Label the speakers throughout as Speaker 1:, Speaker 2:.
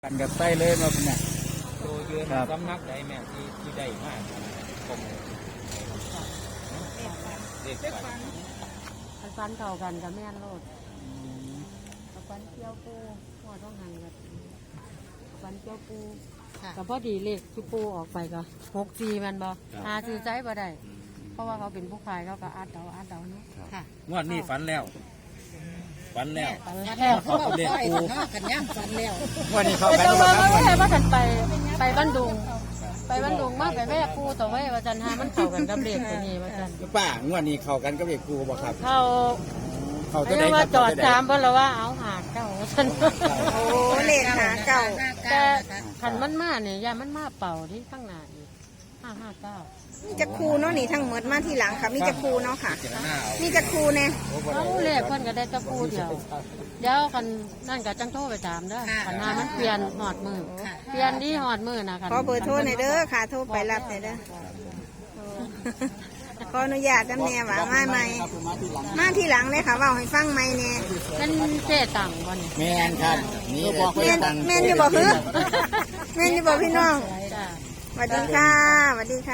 Speaker 1: กันกับไส้เลยมาเป็นไง
Speaker 2: โดยยืนสำนักใดแม่ที่ได้มากผมเด็ก
Speaker 3: ฟันเก่ากันกับแม่นโลดฟันเกี่ยวปูพ่อต้องหันกับฟันเกี่ยวปูกับพอดีเลขที่ปูออกไปก็6-4มันบ่หาซื้อใจบ่ได้เพราะว่าเขาเป็นผู้ขายเขาก็อัดเดาเนาะค่ะ
Speaker 2: งวดนี้ฝันแล้ว
Speaker 3: เขา
Speaker 2: เด็กปู
Speaker 3: กันย่างฝันแล้ว
Speaker 1: วันนี้เขาไป
Speaker 3: แต่ว่าไม่ใช่ว่ากันไปบ้านดุงมาไปแม่ปูต่อไว้ว่าจันหามันเข้ากันกับเลขตัวนี้ว่าจัน
Speaker 1: ป้างวดนี้เข้ากันกับเด็กปูบ่ครับ
Speaker 3: เขาจะได้ว่าจอดตามเพราะว่าเอาหาเก่าฉัน
Speaker 4: โอ้เลขหาเก่า
Speaker 3: แต่ขันมันมาเนี่ยยามันมาเป่าที่ข้างหน้าอีก559
Speaker 4: มีจะครูเนาะนี่ทั้งหมดมาทีหลังค่ะมีจะครูเนาะค่ะมีจะครูเนี่ย
Speaker 3: เอาเลขคนก็ได้ตะปูเดียวกันนั่นก็จังโทรไปถามเด้อขันหามันเปลี่ยนหอดมือเปลี่ยนที่หอดมือนะค่ะ
Speaker 4: ขอเบอร์โทรหน่อยเด้อค่ะโทรไปรับหน่อยเด้อขออนุญาตจำแนวว่ามาทีหลังเลยค่ะว่าให้ฟังไหมเนี่ย
Speaker 3: เป็นเจ๊ตังบ่เนี่ย
Speaker 1: แม่นครับนี่
Speaker 4: แม่นอยู่บ่คือแม่นอยู่บ่พี่น้องสวัสดีค่ะสวัสดีค่ะ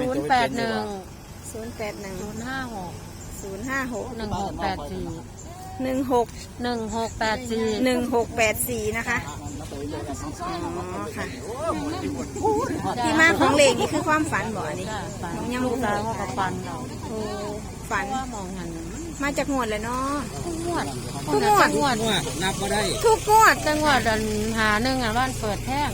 Speaker 3: 081-056-1684
Speaker 4: นะคะค่ะที่มาของเลขนี่คือความฝันบ่นี่
Speaker 3: ยังลูกสาวเขาก็ฝันเรา
Speaker 4: ฝัน
Speaker 3: ว่ามองหัน
Speaker 4: มาจากงวดเลยเนาะ
Speaker 3: ทุกงวด
Speaker 2: นับก็ได้
Speaker 4: ทุกงวด
Speaker 3: จังหวัดหาหนึ่งบ้านเปิดแท่ง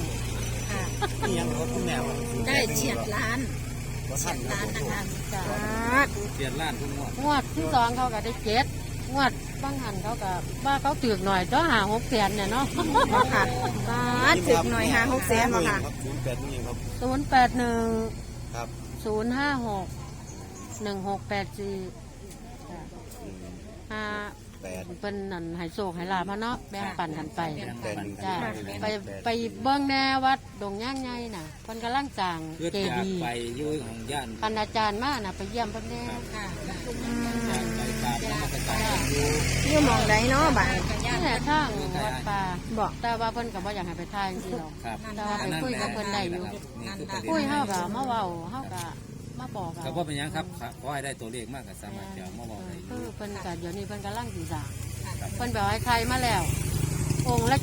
Speaker 4: ได้เฉียดล้านนะคะ
Speaker 2: เฉียดล้านทุก
Speaker 3: งวดที่2เขาก็ได้7งวดบางหันเขาก็ว่าเขาถือหน่อยก็หา600,000เนี่ยเนาะ
Speaker 4: ค่ะถือหน่อยหา600,000บ่ค่ะ
Speaker 3: 081
Speaker 1: ครับ
Speaker 3: 056-1684เป็นนั่นหายโศกหายลาพะเนาะแบ่งปันกันไปจ้าไปเบิ้งแนวัดดงย่างไงน่ะคนกำลังจาง
Speaker 2: เจดีย์ไปยุ่ยของย่าน
Speaker 3: พันอาจารย์มาน่ะไปเยี่ยมเพิ่นแน่
Speaker 4: อยู่มองใดเนาะบ้าน
Speaker 3: นี่แหละทางวัดป่าบอกแต่ว่าเพิ่นก็บ่อยากให้ไปทายจริงๆหรอกแต่ว่าไปคุยกับเพิ่นได้อยู่คุยเฮาก็มาเว้าเฮาก็มาบอก
Speaker 2: ก็บ่เป็นหยังครับขอให้ได้ตัวเลขมากก็สามารถจะมาบอกได้
Speaker 3: เพิ่นก็เดี๋ยวนี้เพิ่นกำลังสิสร้างเพิ่นบอกให้ใครมาแล้วองค์ละ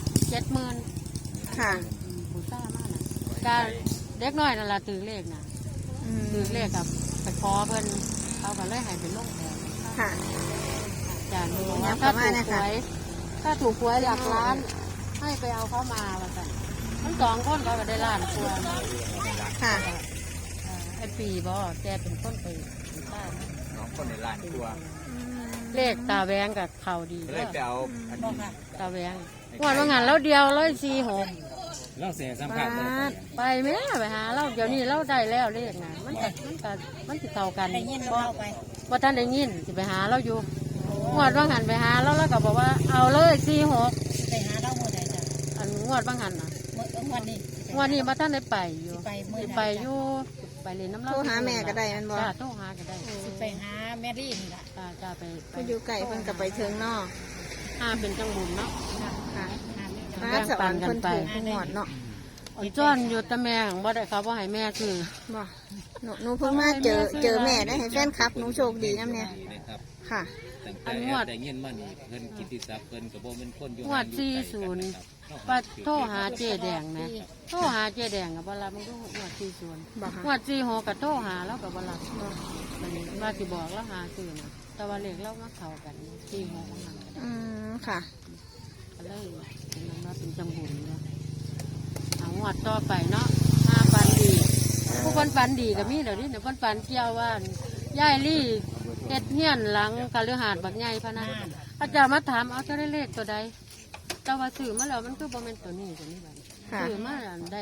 Speaker 3: 70,000
Speaker 4: ค่ะ
Speaker 3: ผู้ซ่ามากน่ะการเด็กน้อยนั่นล่ะถือเลขน่ะถือเลขกับไปขอเพิ่นเอาก็เลยให้เป็นลงแทน
Speaker 4: ค่ะ
Speaker 3: จ้ะถ้าถูกหวยหลักล้านให้ไปเอาเขามาว่าซั่นทั้ง2คนเขาก็ได้ล้านกว่า
Speaker 4: ค่ะ
Speaker 3: ไอ้ปีบ่แกเป็นคนไปบ้าน
Speaker 2: น้องคนในล้านกว่า
Speaker 3: เลขตาแวงกับเขาดี
Speaker 2: เลยไปเอา
Speaker 3: ตาแวงวันว่างานเราเดียว146
Speaker 2: เราเสียสัมผัส
Speaker 3: ไปแม่ไปหาเราเดี๋ยวนี้เราได้แล้วเลขนะมันติดเท่ากันว่าท่านได้ยินจะไปหาเราอยู่งวดว่างานไปหาเราแล้วก็บอกว่าเอาเลย46
Speaker 4: ไปหาเราหมดเลยจ้ะ
Speaker 3: อันงวดว่างานนะงวดนี้มาท่านได้ไปอยู่ไปอยู่ไปเรียนน้ำเล่า
Speaker 4: โทรหาแม่ก็ได้มันบอก
Speaker 3: โทรหาก็ได้
Speaker 4: ไปหาแม่รี่นี่แหละ
Speaker 3: จะไป
Speaker 4: อยู่ไก่เพิ่นกับไปเชิงนอก
Speaker 3: เป็นจังบุญเนาะ
Speaker 4: ค่ะมาสวรรค์คนถูกหมดเนาะ
Speaker 3: จ้อนอยู่แต่แม่บ่ได้ครับว่าให้แม่คือ
Speaker 4: บ่หนูเพิ่งมาเจอแม่ได้ให้แฟนคลับหนูโชคดีน้ำเนี่ยค่ะ
Speaker 3: อันงวด
Speaker 2: แต่เงินมันเพิ่นกิติศัพท์เพิ่นกับโบเป็นคนอยู่
Speaker 3: งวด40ปัดโทรหาเจ๊แดงนะโทรหาเจ๊แดงกับเวลามันก็งวด40งวด46กับโทรหาแล้วกับเวลามันว่าสิบอกแล้วหาซื้อนะแต่ว่าเลขเรามาเข้ากัน46ของมัน
Speaker 4: ค่ะ
Speaker 3: ก็เลยมันว่าเป็นจังบุญเนาะเอางวดต่อไปเนาะ5ปันดีผู้คนปันดีก็มีเดี๋ยวนี้เพิ่นปันเกี่ยวว่ายายลี่เฮ็ดเฮียนหลังคฤหาสน์บักใหญ่พะนะอาจารย์มาถามเอาจะได้เลขตัวใดแต่ว่าซื้อมาแล้วมันคือบ่แม่นตัวนี้บัดซื้อมาได้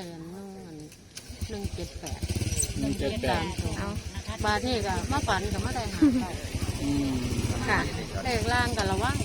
Speaker 3: 178เอาบาทนี้ก็มาฝันก็มาได้หาเก้า
Speaker 4: ค่ะ
Speaker 3: เลขล่างก็ระวัง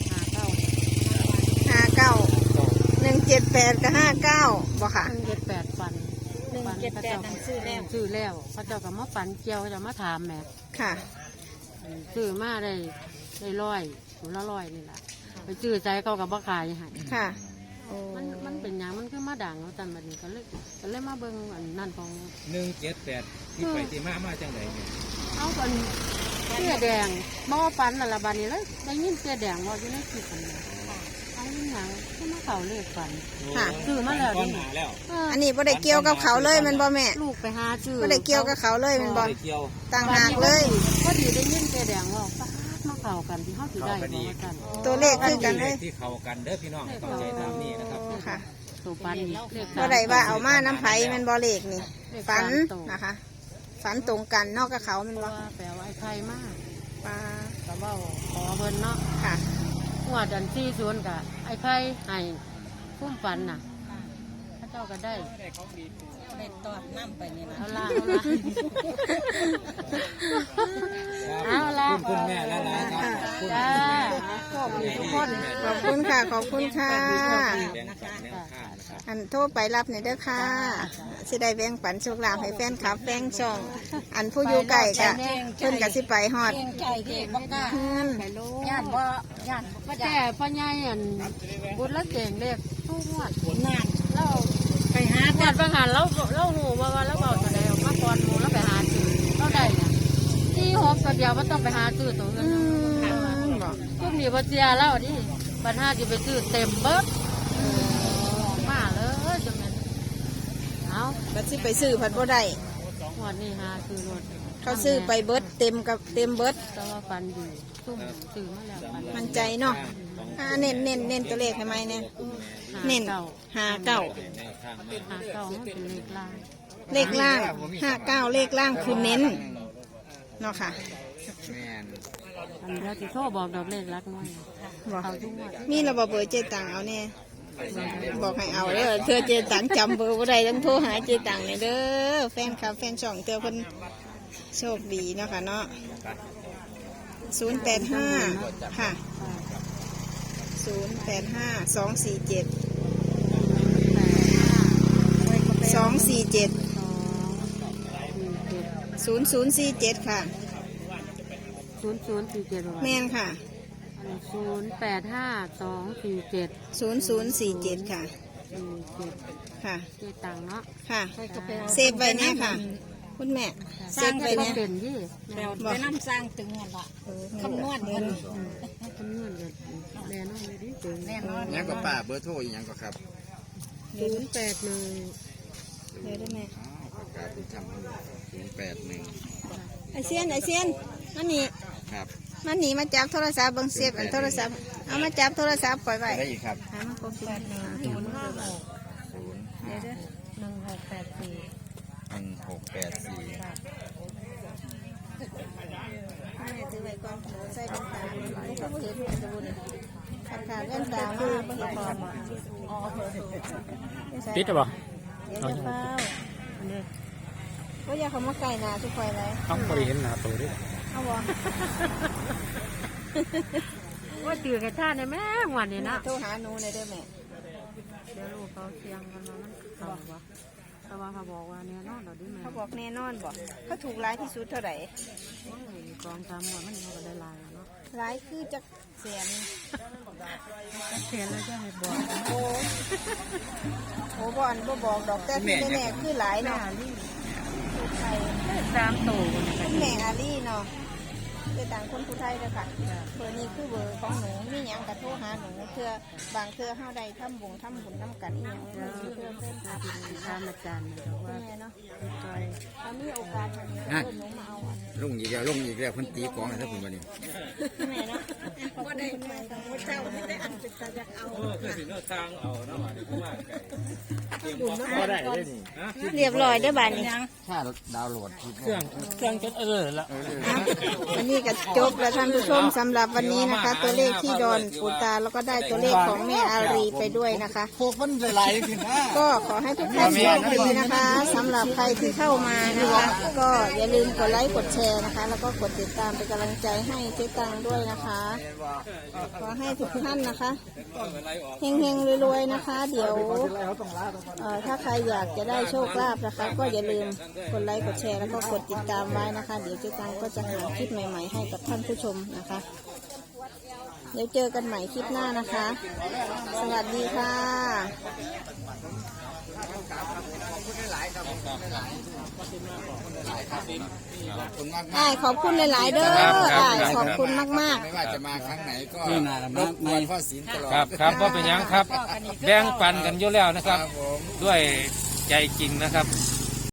Speaker 4: 59 178กับ59บ่ค่ะ
Speaker 3: 178ฝัน
Speaker 4: 178นั่นซื้อ
Speaker 3: แล้วเขาเจ้าก็มาฝันเกี่ยวเขาจะมาถามแม่
Speaker 4: ค่ะ
Speaker 3: ซื้อมาได้100ถุงละ100นี่แหละไปซื้อใจเขากับบ่ขายให้
Speaker 4: ค่ะโอ้
Speaker 3: มันเป็นหยังมันคือมาด่างเอาแต่บัดนี้ก็เลยมาเบิ่งอันนั่นของ
Speaker 2: 178ที่ไปที่มาจังไดเนี่ย
Speaker 3: เอาเป็นเสื้อแดงบ่ปันนั่นละบัดนี้เลยได้ยินเสื้อแดงว่าอยู่ในคลิปอันนี้เอาอีหยังคือมาเข้าเลขฝัน
Speaker 4: ค่ะ
Speaker 3: ซื้อมาแล้ว
Speaker 2: ก้อน
Speaker 3: ดิ
Speaker 2: หนาแล้ว
Speaker 4: อันนี้บ่ได้เกี่ยวกับเขาเลยแมันบ่แม่
Speaker 3: ลูกไปหาซื้อ
Speaker 4: บ่ได้เกี่ยวกับเขาเลยแมันบ่
Speaker 2: ได้เกี่ยว
Speaker 4: ต่างหากเลย
Speaker 3: พอดีได้ยินเสื้อแดงว่าป๊าดมาเข้ากันที่เฮาสิได้บ่ว่ากัน
Speaker 4: ตัวเลขคือกันเลย
Speaker 2: ที่เข้ากันเด้อพี่น้องต้องใจตามนี้นะครับ
Speaker 4: ค่ะ
Speaker 3: ตัวปันนี่เลข
Speaker 4: บ่ได้ว่าเอามาน้ำไผแมันบ่เลขนี่
Speaker 3: เลข
Speaker 4: ฝัน
Speaker 3: สามตัว
Speaker 4: นะคะ ฝันตรงกันนอกกับเขาแมัน
Speaker 3: เพ
Speaker 4: บ่
Speaker 3: ราะว่าแปลว่าไอ้ไข่มาก
Speaker 4: ปลา
Speaker 3: ก็เว้าขอเพิ่นเนาะ
Speaker 4: ค่ะ
Speaker 3: งวดอัน40ก็ไอ้ไข่ให้คุ้มฝันน่ะพระเจ้าก็ได้
Speaker 5: ได้ตอดน้ำไปนี่นะ
Speaker 3: เอาละเอาละ
Speaker 2: คุณแม่และหลายครับคุณ
Speaker 3: จ้า
Speaker 2: แม่
Speaker 3: ขอบคุณทุกคน
Speaker 4: ขอบคุณค่ะ ขอบคุณค่ะ
Speaker 2: แบ่งปันแนวทางนะครับ
Speaker 4: อันโทรไปรับหน่อยเด้อค่ะสิได้แบ่งปันโชคลาภให้แฟนคลับแฟนช่อง อันผู้อยู่ไกลก็เพิ่นก็สิไปฮอด
Speaker 5: เก่งใจที่บ่กล้า
Speaker 4: เฮือน
Speaker 3: ไปโล
Speaker 5: ย่านบ่ย่านบ่
Speaker 3: แต่พ่อใหญ่อันบุญละเก่งเรียกทุกงวด
Speaker 5: นาน
Speaker 3: เรา
Speaker 5: ไปหา
Speaker 3: งวดบางหันเราหูว่าเราเบาตัวใดออกมาก่อนหมูแล้วไปหาซื้อเราได้เนี่ยที่หกตัวเดียวไม่ต้องไปหาซื้อตัวเงิน
Speaker 4: บอก
Speaker 3: พวกนี้บ่เสียแล้วดิปัญหาจะไปซื้อเต็มเบิดมาเลยจังนั้นเอา
Speaker 4: ก็สิไปซื้อผัดบ่ได้
Speaker 3: งวดนี้หาซื้อรถ
Speaker 4: เขาซื้อไปเบิดเต็มกับเต็มเบิด
Speaker 3: แต่ว่าฟันดีซุ่มซื้อมาแล้วฟัน
Speaker 4: มันใจเนาะเน้นตัวเลขให้ไหมเนี่ยเน้น
Speaker 3: หาเก่า
Speaker 4: 59
Speaker 2: แนวทางมา
Speaker 3: หาเก่ามันเป็นเลขล่าง
Speaker 4: เลขล่าง59เลขล่างคือเน้นเนาะค่ะ
Speaker 1: แม่น
Speaker 3: อันเดียวที่โทรบอกดอกเลขรักน้อย
Speaker 4: บอก
Speaker 3: เขาทุกงวด
Speaker 4: มีระบบเบอร์เจตังเอาเนี่ยบอกให้เอาเด้อเธอเจตังจำเบอร์บ่ได้ต้องโทรหาเจตังเนี่ยเด้อแฟนคลับแฟนช่องเธอเพิ่นโชคดีเนาะค่ะเนาะ085ค่ะ085 247 0047ค่ะ
Speaker 3: 0047
Speaker 4: แม่นค่ะ
Speaker 3: 085247
Speaker 4: 0047ค่ะ
Speaker 3: 47
Speaker 4: ค่ะ
Speaker 3: เจตังเนาะ
Speaker 4: ค่ะเซฟไว้เนี่ยค่ะ คุณแม่เซฟไว้เนี่ย
Speaker 3: เป็นยี่
Speaker 5: ไปน้ำสร้างตึงนั่นละคำนวณเงิน
Speaker 3: คำนวณกันแน่นอนเลยดิถึง
Speaker 5: แน่นอน
Speaker 1: ยังก็ป้าเบอร์โทรอีกยังก็ครับ
Speaker 3: 081
Speaker 4: เดี๋ยวได้ไหม
Speaker 1: ประกาศที่ทำ081
Speaker 4: ไอเซียนมันนี่
Speaker 1: ครับ
Speaker 4: มันหนีมาจับโทรศัพท์เบังเซฟอันโทรศัพท์เอามาจับโทรศัพท์ปล่อยไว้
Speaker 1: ได้อีกครับ
Speaker 4: หามันครบสิ
Speaker 5: เดี๋ยวเด้อ1684
Speaker 1: 1684
Speaker 4: แม่ถือไว้ก่อนใส่เป็นตาไม่ต้องเห็นจะบุญขาดแว่นตามาไม่เห็นพอมา
Speaker 2: ติดหรอ
Speaker 4: เดี๋ยวจะเฝ้าก็อย่าเขามาไก่นาทุกคนเลย
Speaker 2: ต้องบริเห็นหน้าตัวด้วย
Speaker 4: เอาวะ
Speaker 3: ว่าตื่นกันท่าในแม่งวันนี้นะ
Speaker 4: โทรหาหนูในอยเด้อแม่
Speaker 3: เดี๋ยวลูกเขาเสียงกันมามันเขาวะแต่ว่าเขาบอกว่าเนี่ยนอนเราดิแม่
Speaker 4: เขาบอกแน่นอนบอกเขาถูกร้ายที่สุดเท่าไหร่
Speaker 3: กองทำหมดมันเขาก็ได้ลายแล้วเนาะ
Speaker 4: ร้ายคือจักเสียน
Speaker 3: เสียแล้วจะให้บอก
Speaker 4: โอ้โหบอลบ่บอกดอกแต่ที่แน่ๆคือหลายเนาะถูกไทย
Speaker 3: 3 ตัว
Speaker 4: คุณแม่อาลี่เนาะเป็นต่างคนผู้ไทยเลยค่ะเบอร์นี้คือเบอร์ของหนูมีหยังกระโทรหาหนูเพื่อบางเพื่อเฮาใดทำบุญน้ำกันอีหยังเพื่อเพื่อนอาทิตย์
Speaker 3: ตามอาจารย์นะว่า
Speaker 4: แม่เนาะ
Speaker 3: ไป
Speaker 4: ถ้ามีโอกาสทางนี้เพื่อนหนูมาเอาอ่ะ
Speaker 1: ลงอีกแล้วเพิ่นตีกลองให้ถ้าผมวันนี้
Speaker 4: แม่เนาะบ่ได้แม่กับเจ้าไม่ได้อันเป็นตาอยากเอา
Speaker 2: คือสินทางเอาเนาะว่า
Speaker 4: ก็ได้เรียบร้อยได้อบ้านนี้
Speaker 1: ถ้าดาวน์โหลดคลิป
Speaker 2: เครื่องจนละ
Speaker 4: วันนี้ก็จบแล้วท่านผู้ชมสำหรับวันนี้นะคะ ตัวเลขที่ดอนปูตาแล้วก็ได้ตัวเลขของแม่อารีไปด้วยนะคะ
Speaker 1: พวกมันหลายขึ้นนะ
Speaker 4: ก็ขอให้ทุกท่านโชคดีนะคะสำหรับใครที่เข้ามานะคะก็อย่าลืมกดไลค์กดแชร์นะคะ แล้วก็กดติดตามเป็นกำลังใจให้เจ๊ตังด้วยนะคะขอให้ทุกท่านนะคะเฮงๆรวยๆนะคะ เดี๋ยวถ้าใครอยากจะได้โชคลาภนะคะ ก็อย่าลืมกดไลค์กดแชร์แล้วก็กดติดตามไว้นะคะ เดี๋ยวเจ๊ตังก็จะหาคลิปใหม่ๆให้กับท่านผู้ชมนะคะเดี๋ยวเจอกันใหม่คลิปหน้านะคะ สวัสดีค่ะ
Speaker 1: ขอบคุณมาก
Speaker 4: อ้ายขอบคุณหลายๆเด้ออ้ายขอบคุณมาก
Speaker 1: ไม่ว่าจะมาครั้งไหนก็รบกวนพ่อศิลป์ตลอด
Speaker 2: ครับว่าเป็นหยังครับ แบ่งปันกันอยู่แล้วนะครับ ด้วยใจจริงนะครับ